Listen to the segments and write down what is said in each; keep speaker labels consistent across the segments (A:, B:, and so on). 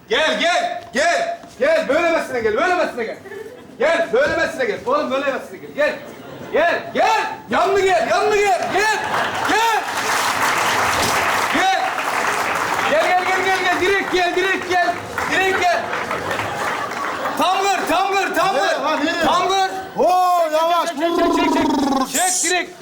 A: Gel, gel, gel. Gel, böylemesine gel, böylemesine gel. Gel, böylemesine gel. Oğlum böylemesine gel. Gel. Gel, gel. Yanlı gel, yanlı gel. Gel. Gel. Gel. Gel, gel, gel, gel, gel. Direkt gel, direkt gel. Direkt gel. Tam kır, tam kır, tam
B: Nereye
A: kır.
B: lan, nereye?
A: Tam kır.
B: Oo yavaş.
A: Çek direkt.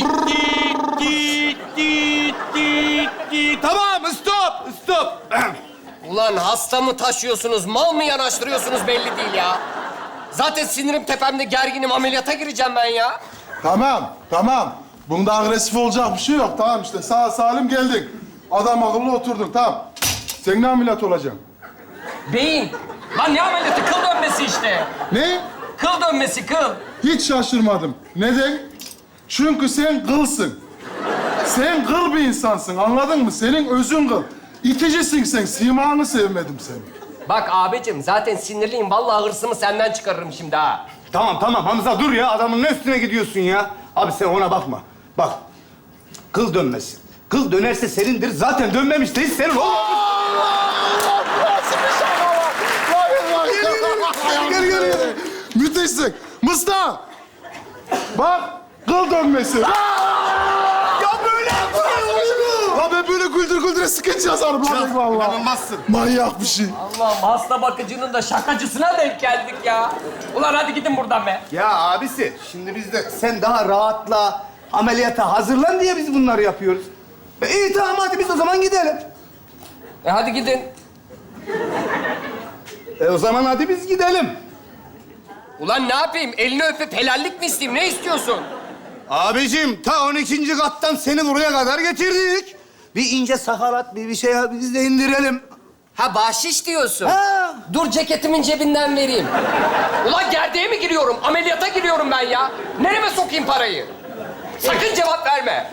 A: Tamam, stop, stop.
C: Ulan hasta mı taşıyorsunuz, mal mı yanaştırıyorsunuz belli değil ya. Zaten sinirim tepemde, gerginim, ameliyata gireceğim ben ya.
B: Tamam, tamam. Bunda agresif olacak bir şey yok. Tamam işte sağ salim geldin. Adam akıllı oturdun, tamam. Sen ne ameliyat olacaksın?
C: Beyin. Lan ne ameliyatı? Kıl dönmesi işte.
B: Ne?
C: Kıl dönmesi, kıl.
B: Hiç şaşırmadım. Neden? Çünkü sen kılsın. Sen kıl bir insansın, anladın mı? Senin özün kıl. İticisin sen, simanı sevmedim seni.
C: Bak abicim, zaten sinirliyim. Vallahi hırsımı senden çıkarırım şimdi ha.
A: Tamam, tamam Hamza dur ya. Adamın ne üstüne gidiyorsun ya? Abi sen ona bakma. Bak, kıl dönmesin. Kıl dönerse senindir. Zaten dönmemiş değil senin oğlum.
B: Gel. Müthişsin. Mısra! Bak, kıl dönmesi.
A: Ya böyle yapıyorsun.
B: Ya ben böyle güldüre skeç yazarım lan vallahi.
A: İnanılmazsın.
B: Manyak bir şey.
C: Allah'ım, hasta bakıcının da şakacısına denk geldik ya. Ulan hadi gidin buradan be.
A: Ya abisi, şimdi biz de sen daha rahatla, ameliyata hazırlan diye biz bunları yapıyoruz. İyi tamam hadi biz o zaman gidelim.
C: Hadi gidin.
A: O zaman hadi biz gidelim.
C: Ulan ne yapayım? Elini öpüp helallik mi isteyeyim? Ne istiyorsun?
A: Abicim ta 12. kattan seni buraya kadar getirdik. Bir ince sakalat, bir şey biz de indirelim.
C: Ha bahşiş diyorsun.
A: Ha.
C: Dur ceketimin cebinden vereyim. Ulan gerdeğe mi giriyorum? Ameliyata giriyorum ben ya. Nereme sokayım parayı? Sakın cevap verme.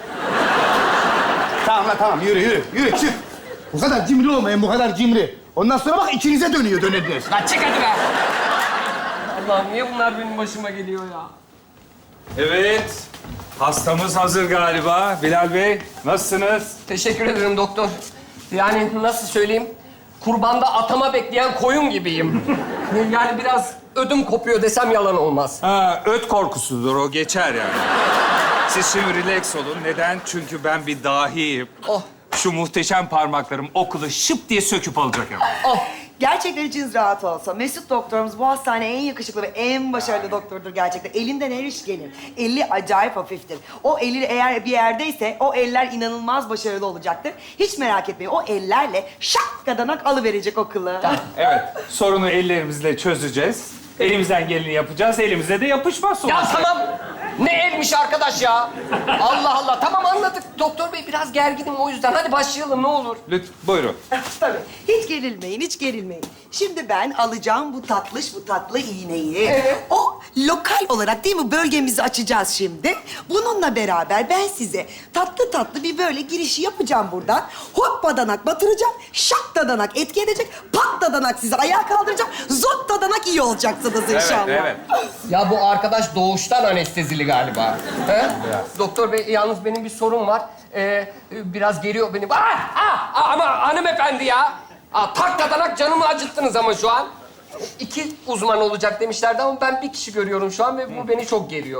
A: Tamam lan tamam yürü çık. Bu kadar cimri olmayın bu kadar cimri. Ondan sonra bak içinize dönüyor dönebilir.
C: Lan çık hadi be. Allah'ım niye bunlar benim başıma geliyor ya?
D: Evet, hastamız hazır galiba. Bilal Bey, nasılsınız?
C: Teşekkür ederim doktor. Yani nasıl söyleyeyim? Kurbanda atama bekleyen koyun gibiyim. Yani biraz ödüm kopuyor desem yalan olmaz.
D: Ha, öt korkusudur, o geçer yani. Siz şimdi relax olun. Neden? Çünkü ben bir dahiyim.
C: Oh.
D: Şu muhteşem parmaklarım okulu şıp diye söküp alacak hemen.
C: Oh.
E: Gerçekten içiniz rahat olsa. Mesut doktorumuz bu hastaneye en yakışıklı ve en başarılı doktordur gerçekten. Elinden her iş gelir. Eli acayip hafiftir. O eli eğer bir yerdeyse o eller inanılmaz başarılı olacaktır. Hiç merak etmeyin. O ellerle şak kadanak alıverecek o kılı.
D: Evet, sorunu ellerimizle çözeceğiz. Elimizden geleni yapacağız, elimize de yapışmaz sonuçta.
C: Ya tamam. Ne elmiş arkadaş ya? Allah Allah. Tamam anladık. Doktor bey biraz gerginim o yüzden. Hadi başlayalım ne olur.
D: Lütfen, buyurun.
E: Tabii. Hiç gerilmeyin, hiç gerilmeyin. Şimdi ben alacağım bu tatlı iğneyi.
C: Evet.
E: O lokal olarak değil mi bölgemizi açacağız şimdi. Bununla beraber ben size tatlı bir böyle girişi yapacağım buradan. Hop dadanak batıracağım. Şak dadanak etki edecek. Pat dadanak sizi ayağa kaldıracağım. Zot dadanak iyi olacaksınız inşallah.
D: Evet.
C: Ya bu arkadaş doğuştan anestezili galiba. He? Doktor bey yalnız benim bir sorun var. Biraz geriyor beni. Ama hanımefendi ya. Tak tadanak canımı acıttınız ama şu an. 2 uzman olacak demişlerdi ama ben bir kişi görüyorum şu an ve bu beni çok geriyor.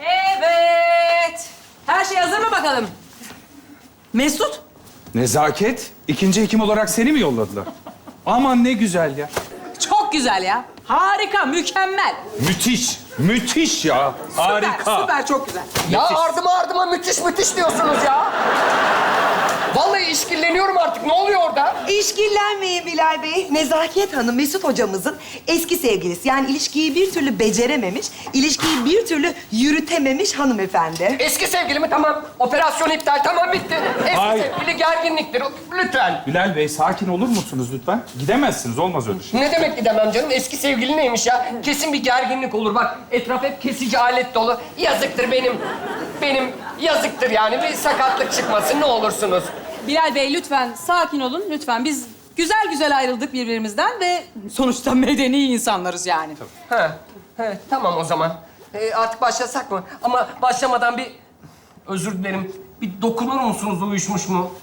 F: Evet. Her şey hazır mı bakalım? Mesut.
D: Nezaket, ikinci hekim olarak seni mi yolladılar? Aman ne güzel ya.
F: Çok güzel ya. Harika, mükemmel.
D: Müthiş ya. Harika.
F: Süper, çok güzel.
C: Ya ardıma müthiş diyorsunuz ya. Vallahi işkilleniyorum artık. Ne oluyor orada?
E: İşkillenmeyin Bilal Bey. Nezaket Hanım, Mesut hocamızın eski sevgilisi. Yani ilişkiyi bir türlü becerememiş, ilişkiyi bir türlü yürütememiş hanımefendi.
C: Eski sevgilimi tamam. Operasyon iptal. Tamam bitti. Eski
D: Hayır.
C: sevgili gerginliktir. Lütfen.
D: Bilal Bey, sakin olur musunuz lütfen? Gidemezsiniz, olmaz öyle şey.
C: Ne demek gidemem canım? Eski sevgili neymiş ya? Kesin bir gerginlik olur. Bak etraf hep kesici alet dolu. Yazıktır benim yazıktır yani. Bir sakatlık çıkmasın ne olursunuz.
F: Bilal Bey lütfen sakin olun lütfen. Biz güzel ayrıldık birbirimizden ve sonuçta medeni insanlarız yani.
C: He, tamam o zaman. Artık başlasak mı? Ama başlamadan bir özür dilerim. Bir dokunur musunuz uyuşmuş mu?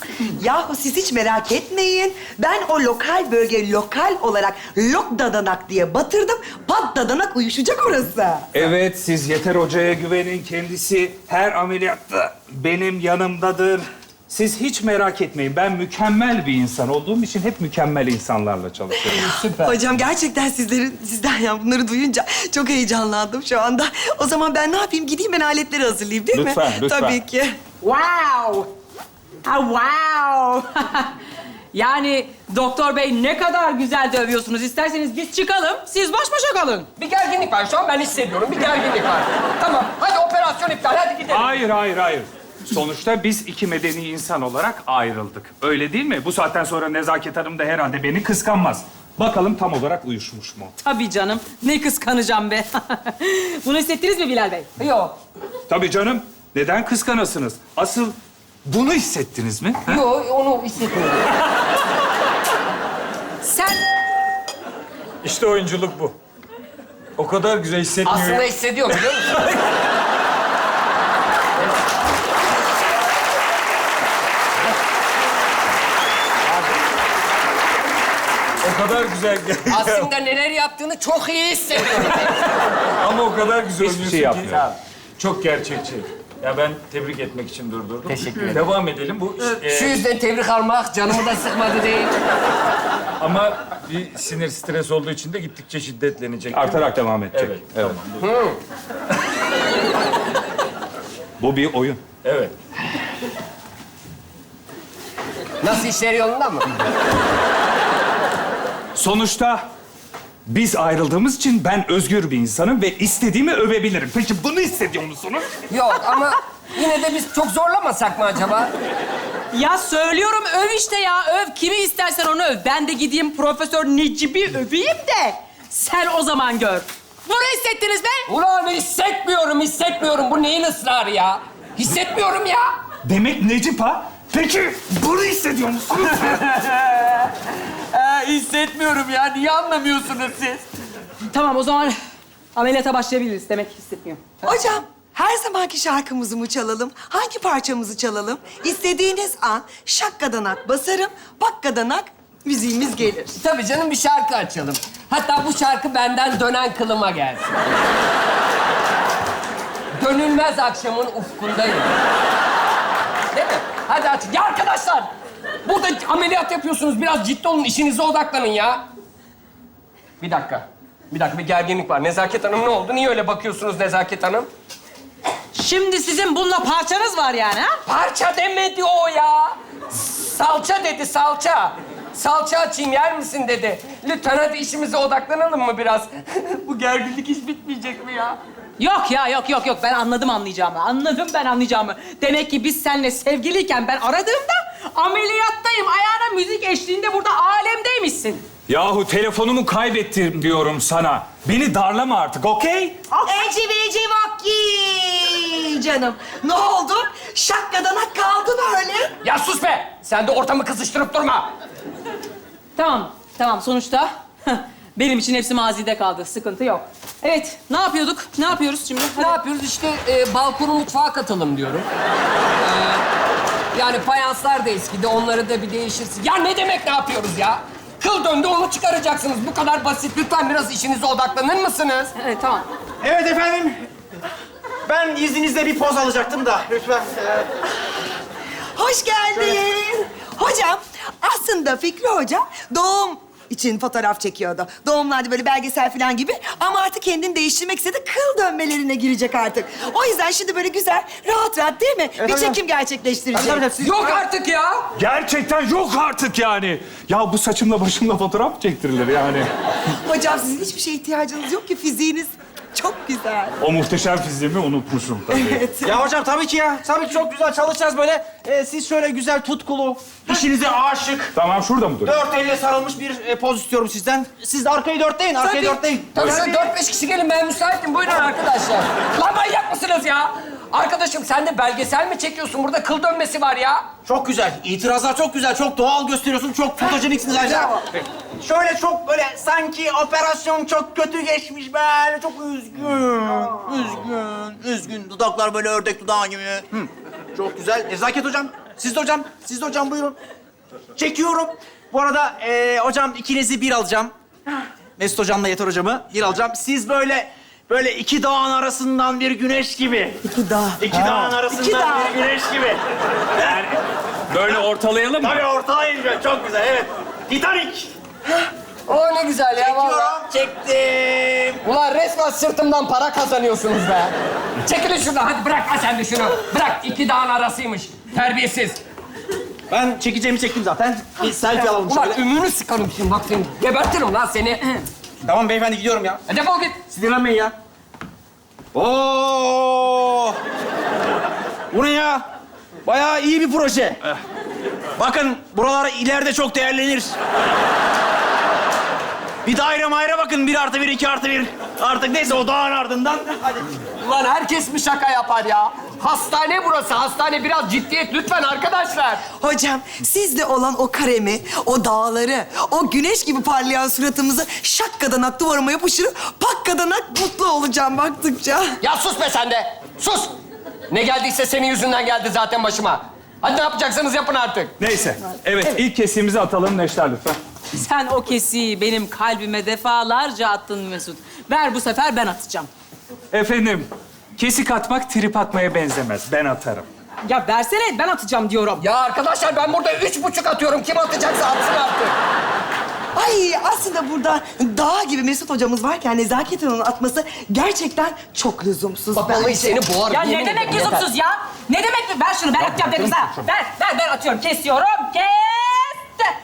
E: Yahu siz hiç merak etmeyin. Ben o lokal bölge lokal olarak lok dadanak diye batırdım. Pat dadanak uyuşacak orası.
D: Evet, siz Yeter Hoca'ya güvenin. Kendisi her ameliyatta benim yanımdadır. Siz hiç merak etmeyin. Ben mükemmel bir insan olduğum için hep mükemmel insanlarla çalışıyorum.
C: Süper.
E: Hocam gerçekten sizden ya bunları duyunca çok heyecanlandım şu anda. O zaman ben ne yapayım? Gideyim ben aletleri hazırlayayım değil mi?
D: Lütfen, lütfen.
E: Tabii ki.
F: Wow! Ha, wow! Yani doktor bey ne kadar güzel dövüyorsunuz. İsterseniz biz çıkalım, siz baş başa kalın.
C: Bir gerginlik var şu an ben hissediyorum. Bir gerginlik var. Tamam hadi operasyon iptal hadi gidelim.
D: Hayır, hayır, hayır. Sonuçta biz iki medeni insan olarak ayrıldık. Öyle değil mi? Bu saatten sonra Nezaket Hanım da herhalde beni kıskanmaz. Bakalım tam olarak uyuşmuş mu?
F: Tabii canım. Ne kıskanacağım be. Bunu hissettiniz mi Bilal Bey?
C: Yok.
D: Tabii canım. Neden kıskanasınız? Asıl bunu hissettiniz mi? Ha?
C: Yok onu hissetmiyorum.
F: Sen
G: İşte oyunculuk bu. O kadar güzel hissetmiyor.
C: Aslında hissediyorum biliyor musun?
G: O kadar güzel.
C: Aslında neler yaptığını çok iyi hissediyorum.
G: Ama o kadar güzel
D: Hiçbir
G: oynuyorsun
D: şey
G: ki.
D: yapmıyor.
G: Çok gerçekçi. Ya ben tebrik etmek için durdurdum.
C: Teşekkür ederim.
G: Devam edelim. Bu
C: Şu yüzden tebrik almak canımı da sıkmadı değil.
G: ama bir sinir stres olduğu için de gittikçe şiddetlenecek.
D: Artarak devam edecek.
G: Evet.
D: Evet.
G: Tamam.
D: Bu bir oyun.
G: Evet.
C: Nasıl işler yolunda mı?
D: Sonuçta biz ayrıldığımız için ben özgür bir insanım ve istediğimi övebilirim. Peki bunu hissediyor musunuz?
C: Yok ama yine de biz çok zorlamasak mı acaba?
F: ya söylüyorum öv işte ya. Öv. Kimi istersen onu öv. Ben de gideyim Profesör Necip'i öveyim de sen o zaman gör. Bunu hissettiniz mi?
C: Ulan hissetmiyorum. Bu neyin ısrarı ya? Hissetmiyorum ya.
D: Demek Necip ha? Peki bunu hissediyor musunuz?
C: Hissetmiyorum ya. Niye anlamıyorsunuz siz?
F: Tamam o zaman ameliyata başlayabiliriz. Demek ki hissetmiyor.
E: Hocam her zamanki şarkımızı mı çalalım? Hangi parçamızı çalalım? İstediğiniz an şakkadanak basarım, bakkadanak müziğimiz gelir.
C: Tabii canım bir şarkı açalım. Hatta bu şarkı benden dönen kılıma gelsin. Dönülmez akşamın ufkundayım. Değil mi? Hadi aç. Ya arkadaşlar! Burada ameliyat yapıyorsunuz. Biraz ciddi olun. İşinize odaklanın ya. Bir dakika. Bir gerginlik var. Nezaket Hanım ne oldu? Niye öyle bakıyorsunuz Nezaket Hanım?
F: Şimdi sizin bununla parçanız var yani ha?
C: Parça demedi o ya. Salça dedi, salça. Salça açayım, yer misin dedi. Lütfen hadi işimize odaklanalım mı biraz? Bu gerginlik hiç bitmeyecek mi ya?
F: Yok ya, yok. Ben anladım anlayacağımı. Anladım ben anlayacağımı. Demek ki biz seninle sevgiliyken ben aradığımda ameliyattayım. Ayağına müzik eşliğinde burada alemdeymişsin.
D: Yahu telefonumu kaybettim diyorum sana. Beni darlama artık, okey?
E: Eci veci vakki canım. Ne oldu? Şakkadanak kaldın öyle.
C: Ya sus be! Sen de ortamı kızıştırıp durma.
F: Tamam. Sonuçta benim için hepsi mazide kaldı. Sıkıntı yok. Evet, ne yapıyorduk? Ne yapıyoruz şimdi?
C: Ne yapıyoruz? İşte balkonu mutfağa katalım diyorum. Yani fayanslar da eskidi, onları da bir değişirsin. Ya ne demek ne yapıyoruz ya? Kıl döndü, onu çıkaracaksınız. Bu kadar basit. Lütfen biraz işinize odaklanır mısınız?
F: Evet, tamam.
H: Evet efendim. Ben izninizle bir poz alacaktım da lütfen.
E: Hoş geldin. Hocam aslında Fikri Hoca doğum için fotoğraf çekiyordu. Doğumlarda böyle belgesel falan gibi. Ama artık kendini değiştirmek istedi. Kıl dönmelerine girecek artık. O yüzden şimdi böyle güzel, rahat değil mi? Bir çekim gerçekleştirecek.
C: Yok artık ya!
D: Gerçekten yok artık yani. Ya bu saçımla başımla fotoğraf çektirilir yani.
E: Hocam sizin hiçbir şeye ihtiyacınız yok ki. Fiziğiniz çok güzel.
D: O muhteşem fiziğimi unutmuşum tabii.
H: Ya hocam tabii ki ya. Tabii ki çok güzel çalışacağız böyle. Siz şöyle güzel tutkulu, işinize aşık,
D: Tamam, şurada mı durayım?
H: dört elle sarılmış bir poz istiyorum sizden. Siz de arkayı dörtleyin, arkayı dörtleyin.
C: Tabii şöyle 4-5 kişi gelin, ben müsaitim. Buyurun arkadaşlar. Lan manyak mısınız ya? Arkadaşım sen de belgesel mi çekiyorsun? Burada kıl dönmesi var ya.
H: Çok güzel. İtirazlar çok güzel. Çok doğal gösteriyorsun. Çok fotojeniksiniz ayrıca. Şöyle çok böyle sanki operasyon çok kötü geçmiş böyle. Çok üzgün. Dudaklar böyle ördek dudağı gibi. Çok güzel. Nezaket hocam Siz de hocam buyurun. Çekiyorum. Bu arada hocam ikinizi bir alacağım. Mesut hocamla Yeter hocamı bir alacağım. Siz böyle iki dağın arasından bir güneş gibi.
E: İki dağ.
H: İki dağın arasından bir güneş gibi.
D: Yani böyle ortalayalım mı?
H: Tabii ortalayın. Çok güzel, evet. Titanic.
C: O ne güzel ya vallahi.
H: Çektim.
C: Ulan resmen sırtımdan para kazanıyorsunuz be. Çekilin şuradan hadi bırak ha sen de şunu. Bırak 2 dağın arasıymış. Terbiyesiz.
H: Ben çekeceğimi çektim zaten. Bir selfie alalım
C: Ulan
H: şöyle.
C: ümünü sıkarım şimdi bak seni. Gebertirim lan seni.
H: Tamam beyefendi gidiyorum ya.
C: Defol git.
H: Sinirlenmeyin ya. Oo! Bu ne ya? Bayağı iyi bir proje. Bakın buralar ileride çok değerlenir. Bir daire mayre bakın. 1+1, 2+1. Artık neyse o dağın ardından. Hadi.
C: Ulan herkes mi şaka yapar ya? Hastane burası, hastane. Biraz ciddiyet lütfen arkadaşlar.
E: Hocam sizde olan o karemi, o dağları, o güneş gibi parlayan suratımızı şakkadanak duvarıma yapışır, pakkadanak mutlu olacağım baktıkça.
C: Ya sus be sen de. Sus. Ne geldiyse senin yüzünden geldi zaten başıma. Hadi ne yapacaksanız yapın artık.
D: Neyse. Evet, ilk kesiğimizi atalım Neşter lütfen.
F: Sen o kesiyi benim kalbime defalarca attın Mesut. Ver bu sefer ben atacağım.
D: Efendim, kesik atmak trip atmaya benzemez. Ben atarım.
F: Ya versene ben atacağım diyorum.
C: Ya arkadaşlar ben burada 3,5 atıyorum. Kim atacaksa atsın artık.
E: Ay aslında burada dağ gibi Mesut hocamız varken Nezaket Hanım'ın atması gerçekten çok lüzumsuz.
C: Bak vallahi seni boğarım.
F: Ya
C: yemin
F: ne demek
C: ederim, yeter.
F: lüzumsuz ya? Ne demek? Ver şunu, ben atacağım dedim sana. Ver, ben atıyorum. Kesiyorum. Kestim.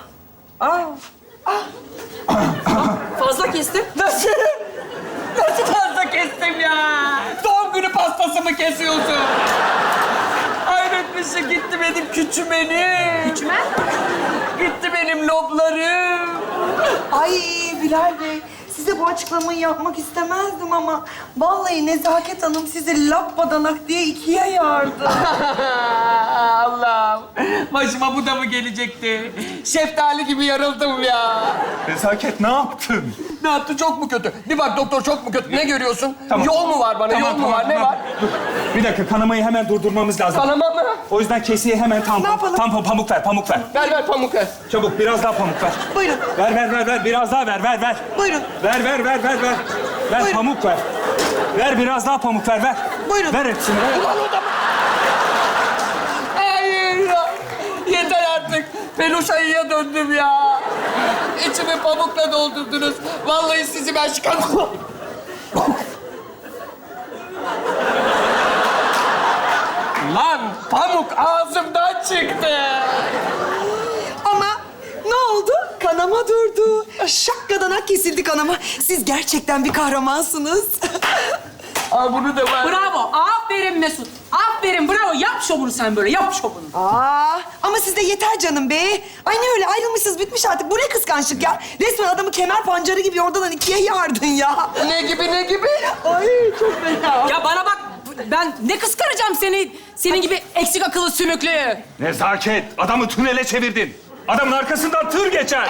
F: Fazla kestim.
C: Nasıl? Nasıl fazla kestim ya? Doğum günü pastası mı kesiyorsun? Hayret bir şey gitti benim küçümenim.
F: Küçümen?
C: Gitti benim loblarım.
E: Ay Bilal Bey, size bu açıklamayı yapmak istemezdim ama vallahi Nezaket Hanım sizi lappadanak diye ikiye yardı.
C: Allah'ım. Başıma bu da mı gelecekti? Şeftali gibi yarıldım ya.
D: Nezaket ne yaptın?
C: Ne yaptı? Çok mu kötü? Bir bak doktor çok mu kötü? Ne görüyorsun?
D: Tamam.
C: Yol mu var bana? Yol mu var? Ne var?
D: Dur. Bir dakika, kanamayı hemen durdurmamız lazım.
C: Kanama mı?
D: O yüzden kesiğe hemen
E: Ne
D: tampon.
E: yapalım?
D: Tampon, pamuk ver, pamuk ver.
C: Ver pamuk ver.
D: Çabuk, biraz daha pamuk ver.
E: Buyurun,
D: Ver, biraz daha ver.
E: buyurun.
D: Ver. Ver,
E: Buyurun.
D: pamuk ver. Ver, biraz daha pamuk ver.
E: Buyurun.
D: Ver hepsini, ver.
C: Hayır ya. Yeter artık. Peluş ayıya döndüm ya. İçimi pamukla doldurdunuz. Vallahi sizi ben çıkarmam. Lan pamuk ağzımdan çıktı.
E: Ama ne oldu? Kanama durdu. Şakkadanak kesildi kanama. Siz gerçekten bir kahramansınız.
C: Aa bunu da var.
F: Bravo. Aferin Mesut. Aferin, bravo. Yap şovunu sen böyle, yap şovunu.
E: Ama siz de yeter canım be. Ay ne öyle ayrılmışsınız bitmiş artık. Bu ne kıskançlık ya? Resmen adamı kemer pancarı gibi oradan ikiye yardın ya.
C: Ne gibi?
E: Ay çok fena.
F: Ya bana bak, ben ne kıskanacağım seni? Senin gibi eksik akıllı sümüklü.
D: Nezaket, adamı tünele çevirdin. Adamın arkasından tır geçer.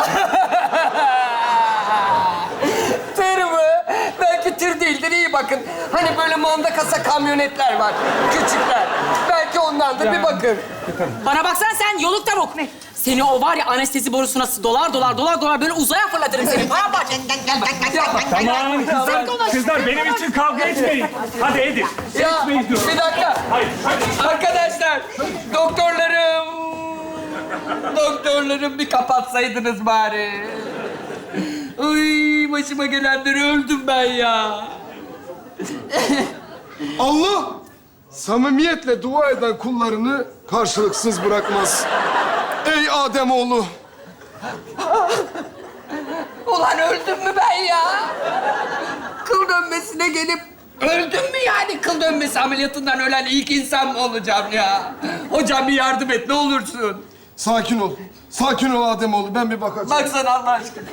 C: Tır mı? Belki tır değildir, iyi bakın. Hani böyle manda kasa kamyonetler var, küçükler. Belki ondandır, bir bakın.
F: Bana baksan sen yoluk tavuk. Seni o var ya anestezi borusuna dolar böyle uzaya fırlatırım seni. Bana bak.
D: Tamam kızlar benim için kavga etmeyin. Hadi edin.
C: Ya
D: Etmeyin diyorum.
C: bir dakika.
D: Hayır.
C: Arkadaşlar, doktorlarım bir kapatsaydınız bari. Ay başıma gelenleri öldüm ben ya.
I: Allah samimiyetle dua eden kullarını karşılıksız bırakmaz. Ey Ademoğlu!
C: Ulan öldüm mü ben ya? Kıl dönmesine gelip öldüm mü yani? Kıl dönmesi ameliyatından ölen ilk insan mı olacağım ya? Hocam bir yardım et ne olursun.
I: Sakin ol. Sakin ol Ademoğlu. Ben bir bakacağım.
C: Baksana Allah aşkına.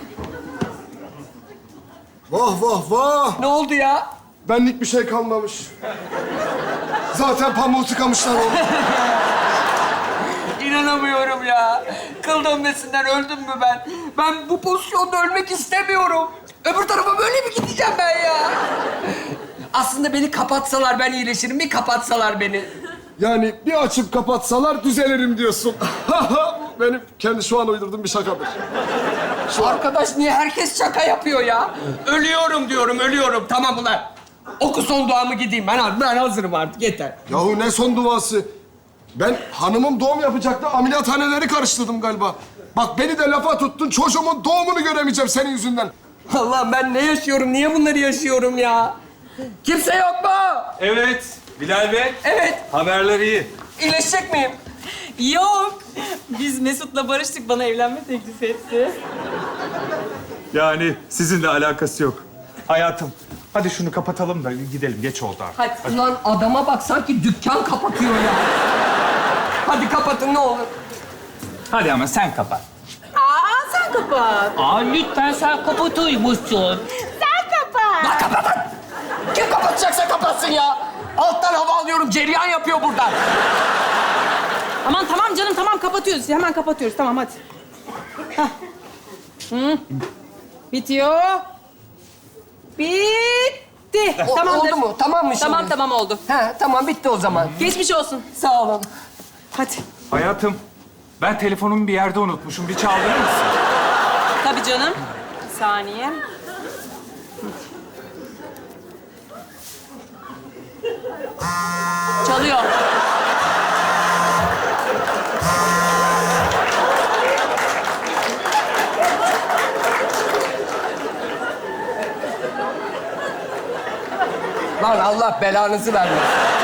I: Vah!
C: Ne oldu ya?
I: Benlik bir şey kalmamış. Zaten pamuğu tıkamışlar onu.
C: İnanamıyorum ya. Kıl dönmesinden öldüm mü ben? Ben bu pozisyonda ölmek istemiyorum. Öbür tarafa böyle mi gideceğim ben ya? Aslında beni kapatsalar ben iyileşirim. Bir kapatsalar beni.
I: Yani bir açıp kapatsalar düzelirim diyorsun. Benim kendi şu an uydurduğum bir şakadır.
C: Arkadaş niye herkes şaka yapıyor ya? Ölüyorum diyorum, ölüyorum. Tamam ulan. Oku son duamı gideyim. Ben hazırım artık, yeter.
I: Yahu ne son duası? Ben hanımım doğum yapacaktı, ameliyathaneleri karıştırdım galiba. Bak beni de lafa tuttun, çocuğumun doğumunu göremeyeceğim senin yüzünden.
C: Allah'ım ben ne yaşıyorum? Niye bunları yaşıyorum ya? Kimse yok mu?
D: Evet, Bilal Bey.
C: Evet.
D: Haberler iyi.
C: İyileşecek miyim?
F: Yok. Biz Mesut'la barıştık. Bana evlenme teklif etti.
D: Yani sizinle alakası yok. Hayatım, hadi şunu kapatalım da gidelim. Geç oldu artık.
C: Hadi. Ulan adama bak sanki dükkan kapatıyor ya. Hadi kapatın ne olur.
D: Hadi ama sen kapat.
F: Aa sen kapat.
J: Aa lütfen sen kapatıyormuşsun.
F: Sen kapat.
C: Lan kapatın! Kim kapatacaksa kapatsın ya. Alttan hava alıyorum, cereyan yapıyor buradan.
F: Aman tamam canım tamam kapatıyoruz. Hemen kapatıyoruz tamam hadi. Hah. Hı. Bitiyor. Bitti. Tamamdır.
C: Oldu mu? Tamam mı şimdi?
F: Tamam oldu.
C: He, tamam bitti o zaman.
F: Geçmiş olsun.
C: Sağ olun.
F: Hadi.
D: Hayatım, ben telefonumu bir yerde unutmuşum. Bir çaldırır mısın?
F: Tabii canım. Bir saniye. Çalıyor.
C: Lan Allah belanızı vermesin.